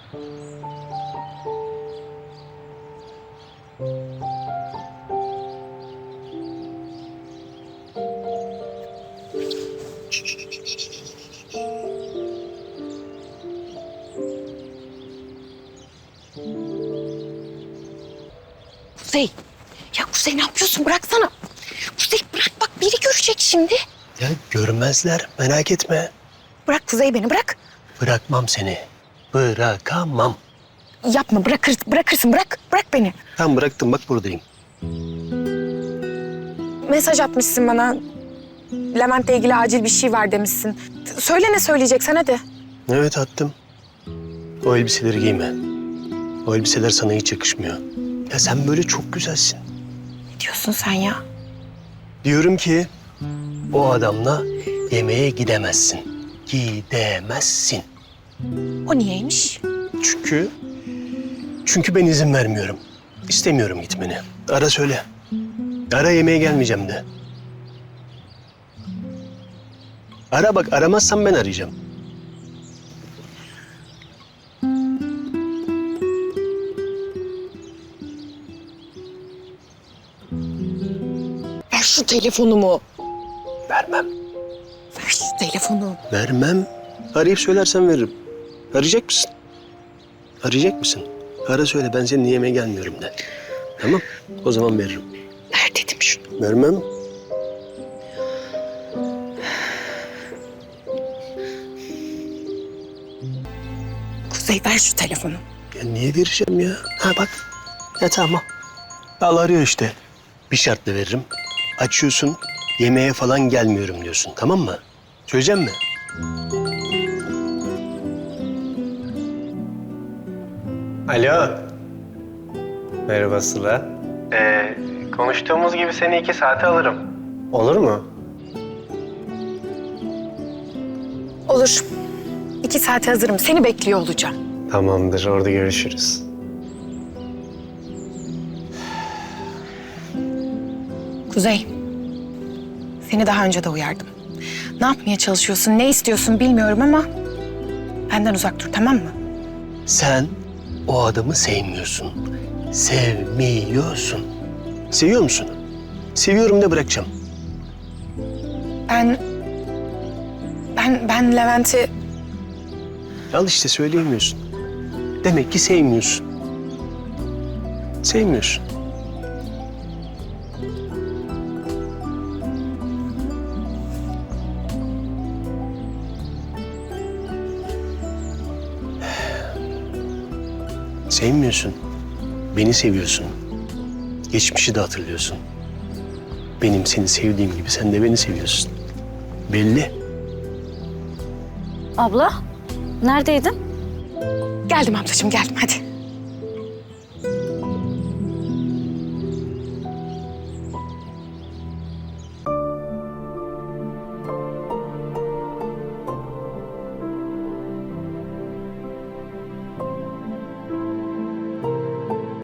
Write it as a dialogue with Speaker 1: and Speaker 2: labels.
Speaker 1: Kuzey. Ya Kuzey ne yapıyorsun? Bıraksana. Kuzey bırak bak biri görecek şimdi.
Speaker 2: Ya görmezler, merak etme.
Speaker 1: Bırak Kuzey beni bırak.
Speaker 2: Bırakmam seni. Bırakamam.
Speaker 1: Yapma bırakırsın bırak beni.
Speaker 2: Tamam bıraktım, bak buradayım.
Speaker 1: Mesaj atmışsın bana. Levent'le ilgili acil bir şey var demişsin. Söyle ne söyleyeceksen hadi.
Speaker 2: Evet attım. O elbiseleri giyme. O elbiseler sana hiç yakışmıyor. Ya sen böyle çok güzelsin.
Speaker 1: Ne diyorsun sen ya?
Speaker 2: Diyorum ki o adamla yemeğe gidemezsin. Gidemezsin.
Speaker 1: O niyeymiş?
Speaker 2: Çünkü ben izin vermiyorum. İstemiyorum gitmeni. Ara söyle. Ara, yemeğe gelmeyeceğim de. Ara bak, aramazsan ben arayacağım.
Speaker 1: Ver şu telefonumu.
Speaker 2: Vermem.
Speaker 1: Ver şu telefonu.
Speaker 2: Vermem. Arayıp söylersen veririm. Arayacak mısın? Arayacak mısın? Ara söyle, ben seninle yemeğe gelmiyorum de. Tamam, o zaman veririm.
Speaker 1: Ver dedim şunu.
Speaker 2: Vermem.
Speaker 1: Kuzey ver şu telefonu.
Speaker 2: Ya niye vereceğim ya? Ha bak. Ya tamam. Al, arıyor işte. Bir şartla veririm. Açıyorsun, yemeğe falan gelmiyorum diyorsun, tamam mı? Söyleyeceğim mi? Alo. Merhaba Sıla. Konuştuğumuz gibi seni 2 saate alırım. Olur mu?
Speaker 1: Olur. 2 saate hazırım. Seni bekliyor olacağım.
Speaker 2: Tamamdır, orada görüşürüz.
Speaker 1: Kuzey. Seni daha önce de uyardım. Ne yapmaya çalışıyorsun, ne istiyorsun bilmiyorum ama benden uzak dur, tamam mı?
Speaker 2: Sen o adamı sevmiyorsun. Sevmiyorsun. Seviyor musun? Seviyorum de bırakacağım.
Speaker 1: Ben Levent'i...
Speaker 2: Al işte, söyleyemiyorsun. Demek ki sevmiyorsun. Sevmiyorsun. Sevmiyorsun. Beni seviyorsun. Geçmişi de hatırlıyorsun. Benim seni sevdiğim gibi sen de beni seviyorsun. Belli.
Speaker 3: Abla, neredeydin?
Speaker 1: Geldim ablacığım, geldim hadi.